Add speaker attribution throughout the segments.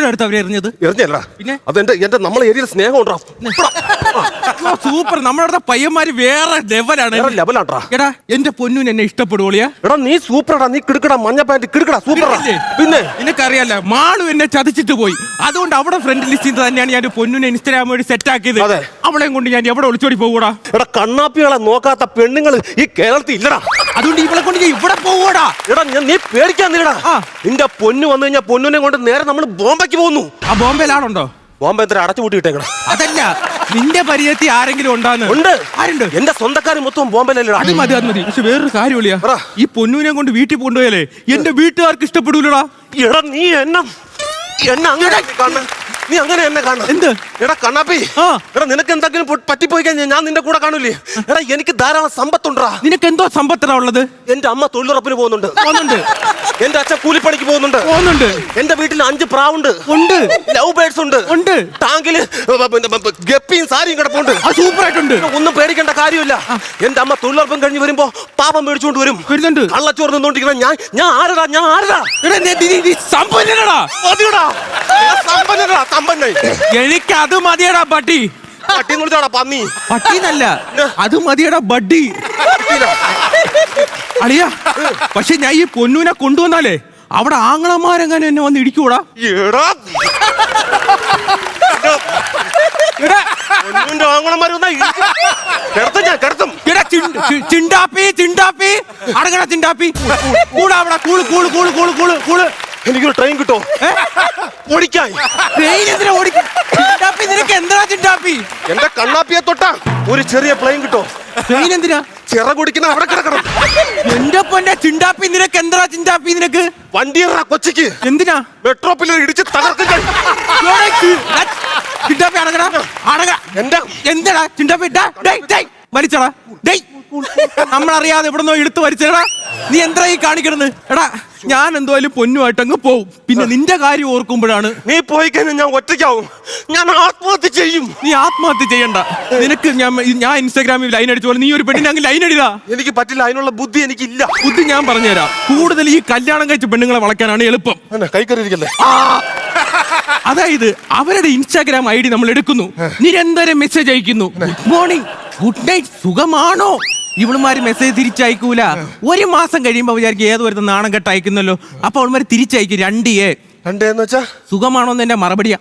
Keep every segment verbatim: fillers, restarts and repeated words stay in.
Speaker 1: അടുത്ത് അവരെ എറിഞ്ഞത്?
Speaker 2: എറിഞ്ഞല്ല
Speaker 1: പിന്നെ
Speaker 2: അതെന്റെ എന്റെ നമ്മളെ ഏരിയയിൽ സ്നേഹം ഉണ്ടാ.
Speaker 1: സൂപ്പർ. നമ്മളവിടെ പയ്യന്മാര് വേറെ ലെവലാണ്.
Speaker 2: ലെവലാണ്ടാ.
Speaker 1: എടാ എന്റെ പൊന്നൂന് എന്നെ ഇഷ്ടപ്പെടുവോളിയാ?
Speaker 2: എടാ നീ സൂപ്പറാടാ, നീ കിടക്കടാ, മഞ്ഞ പാന്റ് കിടക്കടാ, സൂപ്പറാ. പിന്നെ
Speaker 1: നിനക്കറിയാലോ മാളു എന്നെ ചതിച്ചിട്ട് പോയി. അതുകൊണ്ട് അവിടെ ഫ്രണ്ട് ലിസ്റ്റിൽ തന്നെയാണ് ഞാൻ പൊന്നൂനെ ഇൻസ്റ്റാഗ്രാം വഴി സെറ്റ് ആക്കിയത്. അവളെയും കൊണ്ട് ഞാൻ എവിടെ ഒളിച്ചോടി പോകൂടാ?
Speaker 2: എടാ കണ്ണാപ്പികളെ നോക്കാത്ത പെണ്ണുങ്ങൾ ഈ കേരളത്തിൽ ഇല്ലടാ.
Speaker 1: അതുകൊണ്ട് ഇവളെ കൊണ്ട് ഞാൻ ഇവിടെ പോകൂടാ.
Speaker 2: എടാ നീ പേടിക്കാൻ നീടാ. നിന്റെ പൊന്നു വന്നു കഴിഞ്ഞാൽ പൊന്നുനെ കൊണ്ട് നേരെ നമ്മൾ ബോംബെക്ക് പോകുന്നു.
Speaker 1: ആ ബോംബെയിലാണുണ്ടോ?
Speaker 2: ബോംബെ എത്ര അടച്ചു പൂട്ടിയിട്ടേക്കടാ.
Speaker 1: അതല്ല, നിന്റെ പരിചയത്തിൽ ആരെങ്കിലും ഉണ്ടാന്ന്?
Speaker 2: ഉണ്ട്.
Speaker 1: ആരുണ്ട്?
Speaker 2: എന്റെ സ്വന്തക്കാര് മൊത്തം ബോംബെയിലല്ലേ.
Speaker 1: അത് മതി അത് മതി. പക്ഷെ വേറൊരു കാര്യം വിളിയാ, ഈ പൊന്നൂനെ കൊണ്ട് വീട്ടിൽ കൊണ്ടുപോയാലേ എന്റെ വീട്ടുകാർക്ക് ഇഷ്ടപ്പെടൂലടാ.
Speaker 2: എടാ നീ എന്നെ എന്നെ അങ്ങനെ കാണണം. നീ അങ്ങനെ എന്നെ കാണണം. എന്ത്? എടാ കണ്ണാപ്പി, എടാ നിനക്ക് എന്തെങ്കിലും പറ്റിപ്പോയി കഴിഞ്ഞാൽ ഞാൻ നിന്റെ കൂടെ കാണൂലേ? എടാ എനിക്ക് ധാരാളം സമ്പത്തുണ്ടാ.
Speaker 1: നിനക്ക് എന്തോ സമ്പത്താ ഉള്ളത്?
Speaker 2: എന്റെ അമ്മ തൊഴിലുറപ്പിന് പോകുന്നുണ്ട്.
Speaker 1: പോകുന്നുണ്ട്.
Speaker 2: എന്റെ അച്ഛൻ കൂലിപ്പണിക്ക് പോകുന്നുണ്ട്.
Speaker 1: പോകുന്നുണ്ട്.
Speaker 2: എന്റെ വീട്ടിൽ അഞ്ച് പ്രാവുണ്ട്.
Speaker 1: ഉണ്ട്.
Speaker 2: ലവ് ബേർഡ്സ് ഉണ്ട്.
Speaker 1: ഉണ്ട്.
Speaker 2: ടാങ്കില് ഗപ്പിയും സാരിയും കിടപ്പുണ്ട്.
Speaker 1: സൂപ്പർ ആയിട്ടുണ്ട്.
Speaker 2: ഒന്നും പേടിക്കേണ്ട കാര്യമില്ല. എന്റെ അമ്മ തൊഴിലുറപ്പം കഴിഞ്ഞ് വരുമ്പോ പാപം മേടിച്ചുകൊണ്ട് വരും.
Speaker 1: വരുന്നുണ്ട്.
Speaker 2: കള്ളച്ചോറ് നിന്നോണ്ടിരിക്കുന്ന ഞാൻ ഞാൻ ആരടാ ഞാൻ ആരടാ
Speaker 1: സമ്പന്നനടാ.
Speaker 2: മതിയടാ സമ്പന്നടാ സമ്പന്നൻ.
Speaker 1: എനിക്ക് അത് മതിയടാ പട്ടി.
Speaker 2: പട്ടി കുളിച്ചാടാ പന്നി.
Speaker 1: പട്ടിന്നല്ല, അത് മതിയടാ ബഡ്ഡി. അളിയ പക്ഷെ ഞാൻ ഈ പൊന്നൂനെ കൊണ്ടുവന്നാലേ അവിടെ ആങ്ങളമാരെങ്ങനെ എന്നെ വന്ന് ഇടിക്കൂടാ? ചിണ്ടാപ്പി ചിണ്ടാപ്പി അടങ്ങണ ചിണ്ടാപ്പി കൂടാ അവിടെ cool cool cool cool cool cool.
Speaker 2: എനിക്കൊരു ട്രെയിൻ കിട്ടോ ഓടിക്കാൻ?
Speaker 1: ട്രെയിൻ എന്തിനാ ഓടിക്കാൻ? ചിണ്ടാപ്പി നിനക്ക് എന്താ ചിണ്ടാപ്പി?
Speaker 2: എന്റെ കണ്ണാപ്പിയെ തൊട്ടാ ഒരു ചെറിയ പ്ലെയിൻ കിട്ടോ?
Speaker 1: ട്രെയിൻ എന്തിനാ?
Speaker 2: ചിറ കുടിക്കുന്ന അവിടെ കിടക്കണം.
Speaker 1: എന്റെ പൊന്നെ ചിണ്ടാപ്പി നിനക്ക് എന്താ ചിണ്ടാപ്പി നിനക്ക്?
Speaker 2: വണ്ടിയറാ കൊച്ചിക്ക്.
Speaker 1: എന്തിനാ?
Speaker 2: മെട്രോ പില്ലർ ഇടിച്ച് തകർക്കും.
Speaker 1: ചിണ്ടാപ്പി അടങ്ങടാ അടങ്ങ.
Speaker 2: എന്താ
Speaker 1: എന്താടാ ചിണ്ടാപ്പി വലിച്ചടാ? നമ്മളറിയാതെ എവിടെന്നോ എടുത്ത് വലിച്ചടാ. നീ എന്താ ഈ കാണിക്കണെന്ന്? എടാ ഞാൻ എന്തായാലും പൊന്നുമായിട്ട് അങ്ങ് പോവും. പിന്നെ നിന്റെ കാര്യം ഓർക്കുമ്പോഴാണ്.
Speaker 2: നീ പോയി കഴിഞ്ഞാൽ ഞാൻ ഒറ്റയ്ക്കാവും. ഞാൻ ആത്മഹത്യ ചെയ്യും.
Speaker 1: നീ ആത്മഹത്യ ചെയ്യണ്ട. നിനക്ക് ഞാൻ ഞാൻ ഇൻസ്റ്റാഗ്രാമിൽ ലൈൻ അടിച്ച പോലെ നീ ഒരു പെണ്ണിനെ അങ്ങ് ലൈൻ അടിതാ.
Speaker 2: എനിക്ക് പറ്റില്ല, അതിനുള്ള ബുദ്ധി എനിക്കില്ല.
Speaker 1: ബുദ്ധി ഞാൻ പറഞ്ഞുതരാം. കൂടുതൽ ഈ കല്യാണം കഴിച്ച പെണ്ണുങ്ങളെ വളയ്ക്കാനാണ് എളുപ്പം.
Speaker 2: കൈക്കറിയിരിക്കല്ലേ?
Speaker 1: അതായത് അവരുടെ ഇൻസ്റ്റാഗ്രാം ഐ ഡി നമ്മൾ എടുക്കുന്നു, നിരന്തരം മെസ്സേജ് അയക്കുന്നു. ഗുഡ് മോർണിംഗ്, ഗുഡ് നൈറ്റ്, സുഖമാണോ? ഇവളുമാര് മെസ്സേജ് തിരിച്ചയക്കൂല. ഒരു മാസം കഴിയുമ്പോ വിചാരിക്കും ഏതോ ഒരു നാണം കെട്ട് അയക്കുന്നല്ലോ. അപ്പൊ അവളുമാര് തിരിച്ചയക്കും രണ്ട് എ.
Speaker 2: രണ്ടേന്ന് വെച്ചാ
Speaker 1: സുഖമാണോന്ന് എന്റെ മറുപടിയാ.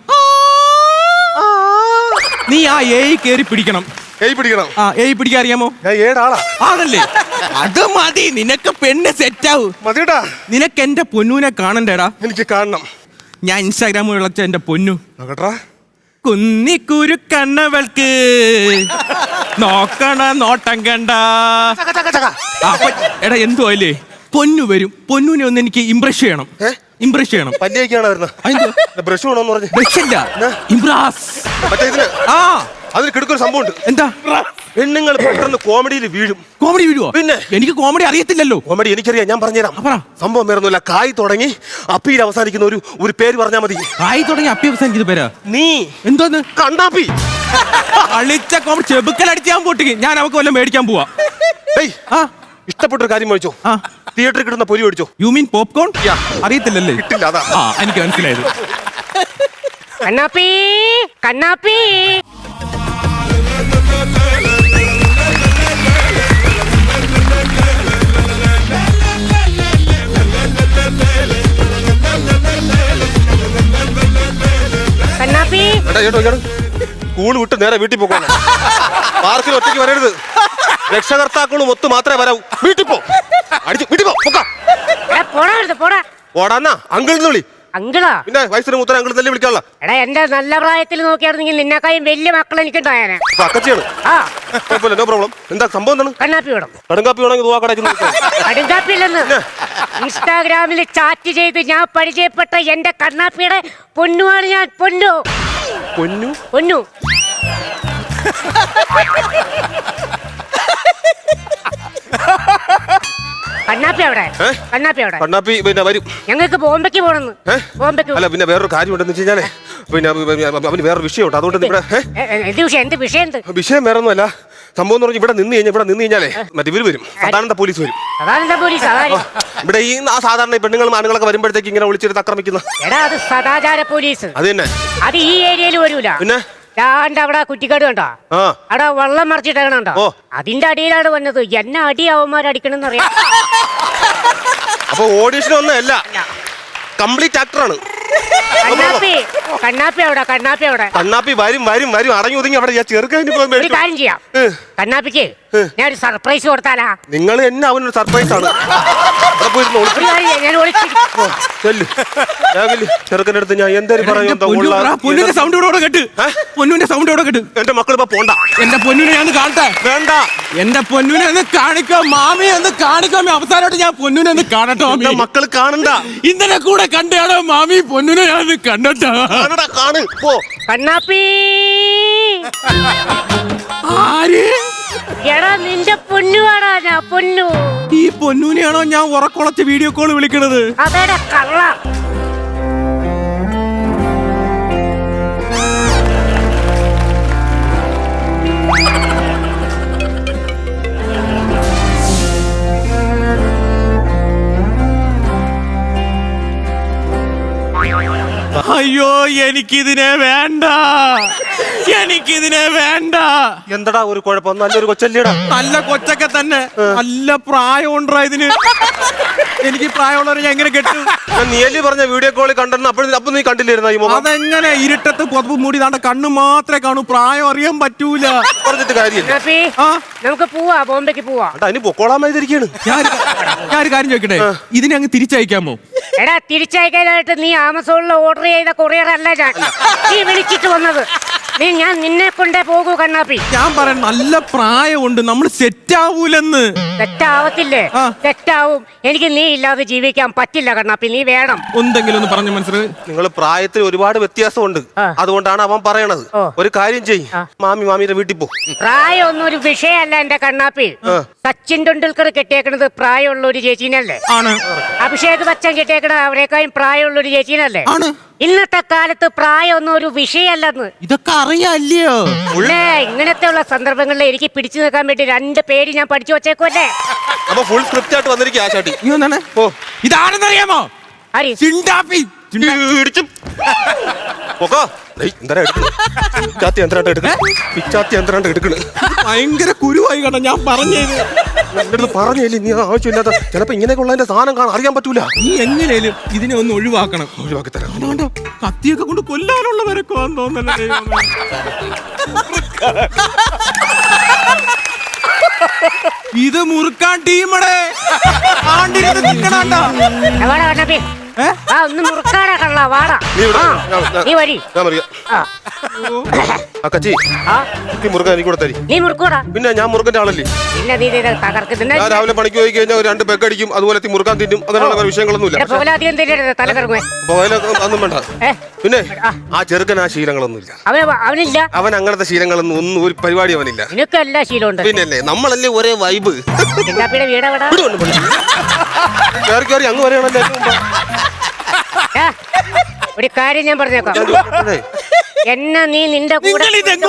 Speaker 1: നീ ആ എ കേറി പിടിക്കണം.
Speaker 2: എയ് പിടിക്കണം.
Speaker 1: ആ എയ് പിടിക്കാൻ അറിയാമോ?
Speaker 2: ഏടാളാ
Speaker 1: ആണല്ലേ? അത് മതി. നിനക്ക് പെണ്ണ് സെറ്റാവും.
Speaker 2: മതിടാ.
Speaker 1: നിനക്ക് എന്റെ പൊന്നൂനെ കാണണ്ടേടാ.
Speaker 2: എനിക്ക് കാണണം.
Speaker 1: ഞാൻ ഇൻസ്റ്റാഗ്രാമിൽ വിളിച്ച എന്റെ പൊന്നു
Speaker 2: നോക്കട്ടാ.
Speaker 1: കുന്നിക്കുരു കണ്ണവൾക്ക് നോക്കണ നോട്ടം കണ്ട. എടാ എന്തോ അല്ലേ പൊന്നു വരും. പൊന്നുനെ ഒന്ന് എനിക്ക് ഇംപ്രസ് ചെയ്യണം. ഇംപ്രസ് ചെയ്യണം.
Speaker 2: പല്ലിയൊക്കെയാണ് വരുന്നത്. ബ്രഷ് വേണമെന്ന് പറഞ്ഞു.
Speaker 1: ബ്രഷ് അല്ല, ഇംപ്രസ്.
Speaker 2: മറ്റേ ഇതിന് ആ അതിന് കിടക്കൊരു സംഭവം ഉണ്ട്.
Speaker 1: എന്താ?
Speaker 2: പെണ്ണുങ്ങൾ പെട്ടെന്ന് കോമഡിയിൽ വീഴും.
Speaker 1: കോമഡി വീഴുവോ?
Speaker 2: പിന്നെ
Speaker 1: എനിക്ക് കോമഡി അറിയത്തില്ലല്ലോ.
Speaker 2: കോമഡി എനിക്കറിയാം, ഞാൻ പറഞ്ഞുതരാം. സംഭവം വേറൊന്നുമില്ല. കായ് തുടങ്ങി അപ്പിയിൽ അവസാനിക്കുന്ന ഒരു ഒരു പേര് പറഞ്ഞാൽ മതി.
Speaker 1: കായ് തുടങ്ങി അപ്പി അവസാനിക്കുന്ന പേരാ?
Speaker 2: നീ
Speaker 1: എന്തോന്ന്?
Speaker 2: കണ്ണാപ്പി.
Speaker 1: അളിച്ച കോമഡി ചെബുക്കലടിച്ചാൻ പൊട്ടിക്ക്. ഞാൻ അവക്ക് വല്ലതും മേടിക്കാൻ പോവാ.
Speaker 2: ഇഷ്ടപ്പെട്ടൊരു കാര്യം മേടിച്ചോ? തിയേറ്ററിൽ കിട്ടുന്ന പൊരി മേടിച്ചോ?
Speaker 1: You mean popcorn? അറിയത്തില്ലല്ലേ?
Speaker 2: കിട്ടില്ല. അതാ
Speaker 1: ആ എനിക്ക് മനസ്സിലായത്.
Speaker 3: കണ്ണാപ്പി കണ്ണാപ്പി കണ്ണാപ്പി.
Speaker 2: സ്കൂൾ വിട്ട് നേരെ വീട്ടിൽ പോകാൻ. പാർക്കിൽ ഒറ്റയ്ക്ക് വരരുത്. രക്ഷകർത്താക്കളും ഒത്തു മാത്രമേ വരാവൂ. വീട്ടിൽ പോ. അടിച്ചു വീട്ടിൽ പോ. പോടാന്നാ അങ്കിളിന്ന് വിളി.
Speaker 3: അങ്കിളാ?
Speaker 2: പിന്നെ വയസ്സിന് മൂത്തര അങ്കിൾ തന്നെ വിളിക്കാനുള്ള.
Speaker 3: എടാ എന്റെ നല്ല പ്രായത്തിൽ നോക്കിയായിരുന്നെങ്കിൽ നിന്നെക്കായും വലിയ മക്കൾ എനിക്കുണ്ടായാനെ.
Speaker 2: അക്കച്ചിയാണ്. No problem. എന്താ സംഭവം? എന്താണ്?
Speaker 3: കണ്ണാപ്പി വേണം.
Speaker 2: കടുങ്കാപ്പി വേണമെങ്കിൽ
Speaker 3: കടുങ്കാപ്പി ഇല്ലെന്ന് ഇൻസ്റ്റാഗ്രാമിൽ ചാറ്റ് ചെയ്ത് ഞാൻ പരിചയപ്പെട്ട എന്റെ കണ്ണാപ്പിയുടെ പൊന്നുമാണ് ഞാൻ. പൊന്നു
Speaker 2: പൊന്നു
Speaker 3: പൊന്നു കണ്ണാപ്പി അവിടെ. കണ്ണാപ്പി അവിടെ.
Speaker 2: കണ്ണാപ്പി പിന്നെ വരും.
Speaker 3: ഞങ്ങൾക്ക് ബോംബെക്ക് പോണെന്ന്. ബോംബെക്ക്.
Speaker 2: അല്ല പിന്നെ വേറൊരു കാര്യം ഉണ്ടെന്ന് വെച്ച് കഴിഞ്ഞാലേ പിന്നെ അവന് വേറൊരു വിഷയമുണ്ട്. അതുകൊണ്ട് നിങ്ങളുടെ
Speaker 3: എന്ത് വിഷയം? എന്ത് വിഷയം?
Speaker 2: വിഷയം വേറെ ഒന്നുമല്ല. സംഭവം എന്ന് പറഞ്ഞാൽ ഇവിടെ നിന്ന് കഴിഞ്ഞാൽ ഇവിടെ നിന്ന് കഴിഞ്ഞാലേ മറ്റേ ഇവര് വരും സദാനന്ദ പോലീസ് വരും.
Speaker 3: സദാനന്ദ പോലീസ് അതാര്?
Speaker 2: ഇവിടെ ഈ ആ സാധാരണ ഈ പെണ്ണുങ്ങളും ആണുങ്ങളൊക്കെ വരുമ്പോഴത്തേക്ക് ഇങ്ങനെ വിളിച്ചിട്ട് ആക്രമിക്കുന്ന.
Speaker 3: എടാ അത് സദാചാര പോലീസ്.
Speaker 2: അത് തന്നെ.
Speaker 3: അത് ഈ ഏരിയയിൽ വരൂല.
Speaker 2: പിന്നെ
Speaker 3: ഞാൻ്റെ അവിടെ കുറ്റിക്കാട് കണ്ടോ? അവിടെ വെള്ളം മറിച്ചിട്ടേക്കണോ? അതിന്റെ അടിയിലാണ് വന്നത്. എന്നെ അടി അവന്മാരടിക്കണമെന്ന് അറിയാം.
Speaker 2: അപ്പൊ ഓഡീഷൻ ഒന്നും അല്ല, കംപ്ലീറ്റ് ആക്ടറാണ്.
Speaker 3: കണ്ണാപ്പി കണ്ണാപ്പി അവിടെ കണ്ണാപ്പി അവിടെ
Speaker 2: കണ്ണാപ്പി വരും വരും വരും അടങ്ങി ഒതുങ്ങി അവിടെ ചെറുക്കതിന്
Speaker 3: ഒരു കാര്യം ചെയ്യാം. കണ്ണാപ്പിക്ക് ഞാൻ ഒരു സർപ്രൈസ് കൊടുത്താലാ?
Speaker 2: നിങ്ങൾ എന്നെ അവനൊരു സർപ്രൈസ് ആണ്.
Speaker 3: ഒരു കാര്യം ചെയ്യാം, ഞാൻ ഒളിച്ചിരിക്കും.
Speaker 2: ചെറുക്കൻ്റെ അടുത്ത് ഞാൻ എന്തായാലും പറയും.
Speaker 1: പൊന്നുവിന്റെ സൗണ്ട് ഇവിടെ കേട്ട് പൊന്നുവിന്റെ സൗണ്ട് ഇവിടെ കേട്ട്.
Speaker 2: എന്റെ മക്കൾ ഇപ്പൊ പോണ്ട.
Speaker 1: എന്റെ പൊന്നുവിനെ ഞാൻ കാണട്ടെ.
Speaker 2: വേണ്ട,
Speaker 1: എന്റെ പൊന്നുവിനെ ഒന്ന് കാണിക്കാം മാമി, ഒന്ന് കാണിക്കാം. അവസാനമായിട്ട് ഞാൻ പൊന്നുവിനെ ഒന്ന് കാണട്ടോ.
Speaker 2: എന്റെ മക്കൾ കാണണ്ട.
Speaker 1: ഇന്നലെ കൂടെ കണ്ടാണോ മാമി പൊന്നുവിനെ ഞാൻ കാണട്ടോ.
Speaker 2: കാണു പോ.
Speaker 3: കണ്ണാപ്പി
Speaker 1: ആര്?
Speaker 3: എടാ നിന്റെ പൊന്നുവാടാ ഞാൻ പൊന്നു.
Speaker 1: ഈ പൊന്നുവിനെയാണോ ഞാൻ ഉറക്കുളച്ച് വീഡിയോ കോൾ വിളിക്കണത്?
Speaker 3: അതേടാ കള്ള.
Speaker 1: അയ്യോ എനിക്കിതിനെ വേണ്ട, എനിക്കിതിനെ വേണ്ട.
Speaker 2: എന്തടാ ഒരു കുഴപ്പം? നല്ലൊരു കൊച്ചല്ലേടാ.
Speaker 1: നല്ല കൊച്ചൊക്കെ തന്നെ, നല്ല പ്രായം ഉണ്ടാ ഇതിന്. എനിക്ക് പ്രായമുള്ളവരെ ഞാൻ എങ്ങനെ കെട്ടു?
Speaker 2: നീലി പറഞ്ഞ വീഡിയോ കോളിൽ കണ്ടെന്ന് അപ്പോൾ അപ്പൊ നീ കണ്ടില്ലായിരുന്ന ഈ മുഖം?
Speaker 1: അതെങ്ങനെ ഇരുട്ടത്ത് പുതപ്പ് മൂടി താണ്ട കണ്ണ് മാത്രമേ കാണൂ, പ്രായം അറിയാൻ പറ്റൂല.
Speaker 2: പറഞ്ഞിട്ട് കാര്യമില്ല.
Speaker 3: നമുക്ക് പോവാ, ബോംബെക്ക് പോവാ.
Speaker 2: അതിന് പൊക്കോളാമായിരിക്കാണ്.
Speaker 1: ഞാനൊരു കാര്യം ചോദിക്കട്ടെ, ഇതിനെ അങ്ങ് തിരിച്ചയക്കാമോ?
Speaker 3: എടാ തിരിച്ചയക്കാനായിട്ട് നീ ആമസോണിൽ ഓർഡർ ചെയ്ത കൊറിയർ അല്ല ഞാൻ. നീ വിളിച്ചിട്ട് വന്നത്. നീ ഞാൻ നിന്നെ കൊണ്ടേ പോകൂ കണ്ണാപ്പി.
Speaker 1: ഞാൻ പറയാം നല്ല പ്രായമുണ്ട്, നമ്മൾ സെറ്റ് ആവൂലെന്ന്.
Speaker 3: തെറ്റാവത്തില്ലേ? തെറ്റാവും. എനിക്ക് നീ ഇല്ലാതെ ജീവിക്കാൻ പറ്റില്ല കണ്ണാപ്പി, നീ വേണം.
Speaker 1: എന്തെങ്കിലും ഒന്ന് പറഞ്ഞു മനസ്സിലായി.
Speaker 2: നിങ്ങൾ പ്രായത്തിൽ ഒരുപാട് വ്യത്യാസമുണ്ട്, അതുകൊണ്ടാണ് അവൻ പറയണത്. ഒരു കാര്യം ചെയ്യ്, മാമി മാമിയുടെ വീട്ടിൽ പോ.
Speaker 3: പ്രായം ഒന്നും ഒരു വിഷയമല്ല എന്റെ കണ്ണാപ്പി. സച്ചിൻ ടെണ്ടുൽക്കർ കെട്ടിയേക്കണത് പ്രായമുള്ള ഒരു ചേച്ചീനല്ലേ?
Speaker 1: ആണ്.
Speaker 3: അഭിഷേക് ബച്ചൻ കെട്ടിയേക്കണത് അവരെക്കാളും പ്രായമുള്ള ഒരു ചേച്ചീനല്ലേ?
Speaker 1: ആണ്.
Speaker 3: ഇന്നത്തെ കാലത്ത് പ്രായമൊന്നും ഒരു വിഷയമല്ലെന്ന്
Speaker 1: ഇതൊക്കെ അറിയാല്ലയോ?
Speaker 3: ഇങ്ങനത്തെ ഉള്ള സന്ദർഭങ്ങളിൽ എനിക്ക് പിടിച്ചു നിൽക്കാൻ വേണ്ടി രണ്ട് പേര് ഞാൻ പഠിച്ചു വച്ചേക്കുമല്ലേ.
Speaker 2: അപ്പൊ ഫുൾ സ്ക്രിപ്റ്റ് ആയിട്ട് വന്നിരിക്കും ആ ചാട്ടി.
Speaker 1: ഇതാണെന്നറിയാമോ? ചിണ്ടാപ്പി ഭയങ്കര കുരുവായി കേട്ടോ. ഞാൻ പറഞ്ഞത്
Speaker 2: പറഞ്ഞില്ലേ നീ ആവശ്യമില്ലാത്ത ചിലപ്പോ ഇങ്ങനെയൊക്കെ ഉള്ളതിന്റെ സാധനം കാണാൻ അറിയാൻ പറ്റൂല.
Speaker 1: നീ എങ്ങനെയാലും ഇതിനെ ഒന്ന് ഒഴിവാക്കണം.
Speaker 2: ഒഴിവാക്കി തരാം.
Speaker 1: അതുകൊണ്ടോ കത്തിയൊക്കെ കൊണ്ട് കൊല്ലാനുള്ളവരൊക്കെ തോന്നല്ലേ. ഇത് മുറുക്കാൻ ടീമടെ ആണ്ടിരുന്ന് നിൽക്കണാണ്ടാ.
Speaker 3: ഒന്ന് മുറുക്കാടാ കള്ള വാടാ. നീ വരി. നീ മുറുക്കൂടാ.
Speaker 2: പിന്നെ ഞാൻ മുറുക്കന്റെ ആളല്ലേ.
Speaker 3: പിന്നെ നീ തകർക്കുന്ന
Speaker 2: ഞാൻ രാവിലെ പണിക്ക് പോയി കഴിഞ്ഞാൽ രണ്ട് പെക്കടിക്കും, അതുപോലെ മുറുക്കാൻ തിന്നും. അങ്ങനെയുള്ള വിഷയങ്ങളൊന്നുമില്ല. ഒന്നും വേണ്ട. പിന്നെ ആ ചെറുക്കൻ ആ ശീലങ്ങളൊന്നുമില്ല.
Speaker 3: അവനില്ല.
Speaker 2: അവൻ അങ്ങനത്തെ ശീലങ്ങളൊന്നും ഒന്നും ഒരു പരിപാടി അവനില്ല.
Speaker 3: നിനക്ക് എല്ലാ ശീലമുണ്ട്.
Speaker 2: പിന്നല്ലേ നമ്മളല്ലേ ഒരേ വൈബ്.
Speaker 3: വീടവിടെ
Speaker 2: കയറി കയറി അങ്ങ് വരെയാണല്ലേ.
Speaker 3: ഒരു കാര്യം ഞാൻ പറഞ്ഞേക്കാം. എന്നെ നീ നിന്റെ കൂടെ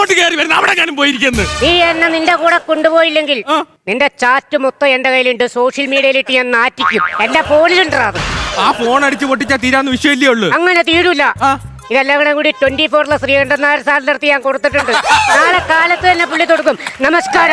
Speaker 3: നീ എന്നെ നിന്റെ കൂടെ കൊണ്ടുപോയില്ലെങ്കിൽ നിന്റെ ചാറ്റ് മൊത്തം എന്റെ കയ്യിലുണ്ട്. സോഷ്യൽ മീഡിയയിലിട്ട് ഞാൻ നാറ്റിക്കും. എന്റെ ഫോണിലുണ്ടാ.
Speaker 1: ആ ഫോൺ അടിച്ചു പൊട്ടിച്ചാ തീരാന്ന് വിഷയല്ലേ ഉള്ളു.
Speaker 3: അങ്ങനെ തീരൂല. ഇതെല്ലാം കൂടെ കൂടി ട്വന്റി ഫോറിലെ ശ്രീകണ്ഠൻ നായർ സാറിന്റെ അടുത്ത് ഞാൻ കൊടുത്തിട്ടുണ്ട്. നാളെ കാലത്ത് തന്നെ പുള്ളി കൊടുക്കും. നമസ്കാരം.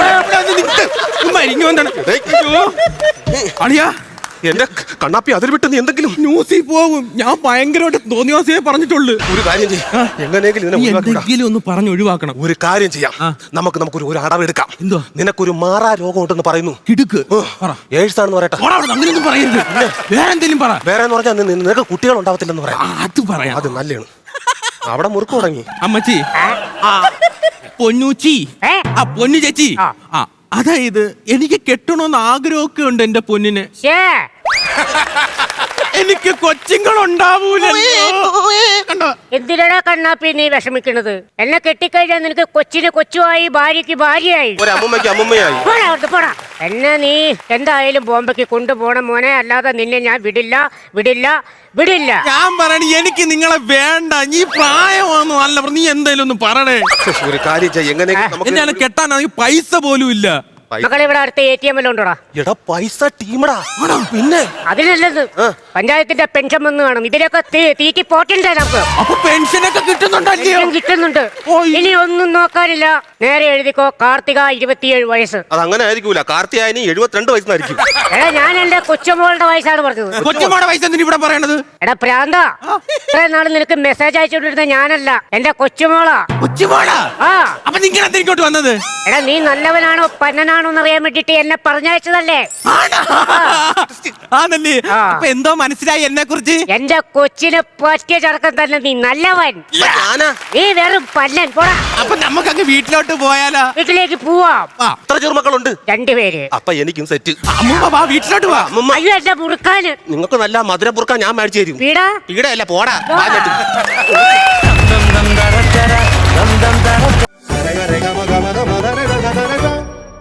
Speaker 1: അളിയാ
Speaker 2: എന്റെ കണ്ണാപ്പി അതിൽ വിട്ട് നീ എന്തെങ്കിലും
Speaker 1: ന്യൂസിൽ പോകും. ഞാൻ ഭയങ്കരമായിട്ട് തോന്നിയാസേ പറഞ്ഞിട്ടുള്ളൂ.
Speaker 2: ഒരു കാര്യം ചെയ്യാം,
Speaker 1: എങ്ങനെയെങ്കിലും ഒന്ന് പറഞ്ഞു ഒഴിവാക്കണം.
Speaker 2: ഒരു കാര്യം ചെയ്യാം, നമുക്ക് നമുക്കൊരു ഒരു അടവെടുക്കാം.
Speaker 1: എന്തോ?
Speaker 2: നിനക്കൊരു മാറാ രോഗം ഉണ്ടെന്ന് പറയുന്നു.
Speaker 1: കിടുക്ക്
Speaker 2: ഏഴ്സാണെന്ന് പറയട്ടെ.
Speaker 1: അങ്ങനെയൊന്നും പറയരുത്. വേറെ എന്തെങ്കിലും പറ.
Speaker 2: വേറെ എന്ന് പറഞ്ഞാൽ നിനക്ക് കുട്ടികൾ ഉണ്ടാവത്തില്ലെന്ന് പറയാം.
Speaker 1: അത് പറയാം.
Speaker 2: അത് നല്ലതാണ്. അവിടെ മുറുക്ക് തുടങ്ങി.
Speaker 1: അമ്മച്ചി, പൊന്നൂച്ചി, ആ പൊന്നു ചേച്ചി, ആ അതായത് എനിക്ക് കെട്ടണമെന്ന് ആഗ്രഹമൊക്കെ ഉണ്ട് എന്റെ പൊന്നിന്. എനിക്ക് കൊച്ചുങ്ങൾ ഉണ്ടാവൂലോ.
Speaker 3: എന്തിനാ എന്തിനാടാ കണ്ണാപ്പി നീ വിഷമിക്കണത്? എന്നെ കെട്ടിക്കഴിഞ്ഞാൽ നിനക്ക് കൊച്ചിന് കൊച്ചുമായി ഭാര്യക്ക് ഭാര്യയായി
Speaker 2: ഒരു അമ്മുമ്മയ്ക്ക് അമ്മുമ്മയായി.
Speaker 3: പോടാ അവിടുത്തെ പോടാ. എന്നെ നീ എന്തായാലും ബോംബെക്ക് കൊണ്ടുപോകണം മോനെ, അല്ലാതെ നിന്നെ ഞാൻ വിടില്ല വിടില്ല വിടില്ല.
Speaker 1: ഞാൻ പറയണ എനിക്ക് നിങ്ങളെ വേണ്ട. നീ പ്രായമാണോ അല്ല, നീ എന്തായാലും ഒന്ന് പറയണേ.
Speaker 2: ഒരു കാര്യം ചെയ്യ്, എങ്ങനെയെങ്കിലും
Speaker 1: എന്നെ
Speaker 2: നമുക്ക്
Speaker 1: കെട്ടാനാണെങ്കിൽ പൈസ പോലും ഇല്ല.
Speaker 3: മക്കളെ ഇവിടെ അടുത്ത എ ടി എം എല്ലാം ഉണ്ടോടാ?
Speaker 2: എടാ പൈസ ടീമടാ. പിന്നെ
Speaker 3: അതിനല്ലത് പഞ്ചായത്തിന്റെ പെൻഷൻ വന്ന് കാണും. ഇതിലൊക്കെ തീ- തീറ്റി പോറ്റണ്ടേ നമുക്ക്?
Speaker 1: അപ്പൊ പെൻഷനൊക്കെ കിട്ടുന്നുണ്ടല്ലോ.
Speaker 3: പെൻഷൻ കിട്ടുന്നുണ്ട്. ഇനി ഒന്നും നോക്കാനില്ല, നേരെ എഴുതിക്കോ കാർത്തിക ഇരുപത്തിയേഴ് വയസ്സ്.
Speaker 2: അത് അങ്ങനെ ആയിരിക്കൂല. കാർത്തിയായനി എഴുപത്തിരണ്ട് വയസ്സായിരിക്കും.
Speaker 3: എടാ ഞാൻ എന്റെ കൊച്ചുമോളുടെ വയസ്സാണ് പറഞ്ഞത്.
Speaker 1: കൊച്ചുമോടെ പൈസ എന്തിനാ ഇവിടെ പറയണത്?
Speaker 3: എടാ പ്രാന്ത, ഇത്രയും നാള് നിനക്ക് മെസ്സേജ് അയച്ചുകൊണ്ടിരുന്ന ഞാനല്ല, എന്റെ കൊച്ചുമോളാ.
Speaker 1: കൊച്ചുമോളാ?
Speaker 3: ആ
Speaker 1: അപ്പൊ നിങ്ങൾ എന്താ ഇങ്ങോട്ട് വന്നത്?
Speaker 3: എടാ നീ നല്ലവനാണോ പന്നനാണോ എന്ന് അറിയാൻ വേണ്ടിട്ട് എന്നെ പറഞ്ഞയച്ചതല്ലേ?
Speaker 1: ആണല്ലേ? അപ്പൊ എന്തോ മനസ്സിലായി എന്നെ കുറിച്ച്?
Speaker 3: എന്റെ കൊച്ചിനെ പറ്റിയ ചടക്കം തന്നെ നീ നല്ലവൻ.
Speaker 2: ഞാനാ
Speaker 3: നീ വെറും പല്ലൻ. പോടാ,
Speaker 1: അപ്പൊ നമുക്കങ്ങ് വീട്ടിലോട്ട് പോയാലോ?
Speaker 3: വീട്ടിലേക്ക് പോവാം.
Speaker 2: എത്ര ചെറുമക്കളുണ്ട്?
Speaker 3: രണ്ടുപേര്.
Speaker 2: അപ്പൊ എനിക്കും സെറ്റ്.
Speaker 1: അമ്മൂമ്മ വാ, വീട്ടിലോട്ട് വാ.
Speaker 2: അമ്മുമ്മ,
Speaker 3: അയ്യോ എന്റെ മുറുക്കാന്.
Speaker 2: നിങ്ങൾക്ക് നല്ല മധുരം പുറക്കാൻ ഞാൻ മേടിച്ചു തരും.
Speaker 3: വീടാ
Speaker 2: ഈടല്ല പോടാ.
Speaker 3: പോടാ.
Speaker 2: വാ,